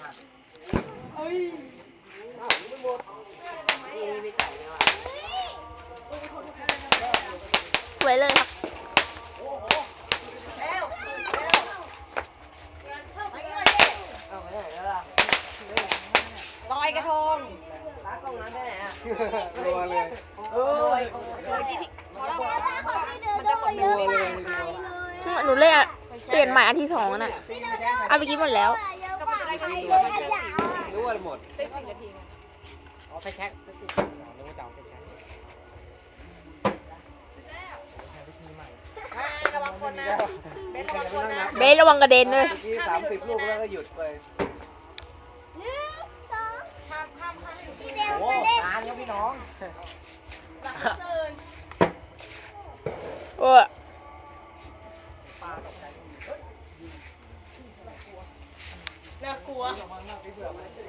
สวยเลยครับลอยกระทงร้านตรงนั้นไปไหนอ่ะรัวเลยเลยที่พอแล้วมันจะหมดรัวเลยหนูเล่นเปลี่ยนใหม่อันที่2น่ะเอาไปกินหมดแล้วรู้ว่าหมดได้10 นาทีอ๋อไปแช็คนึกว่าจะเอาไปแช็คระวังคนนะเบสระวังคนนะเบสระวังกระเด็นด้วย 30 ลูกแล้วก็หยุดไปโอ้นานครับพี่น้องโอ้น่ากลัว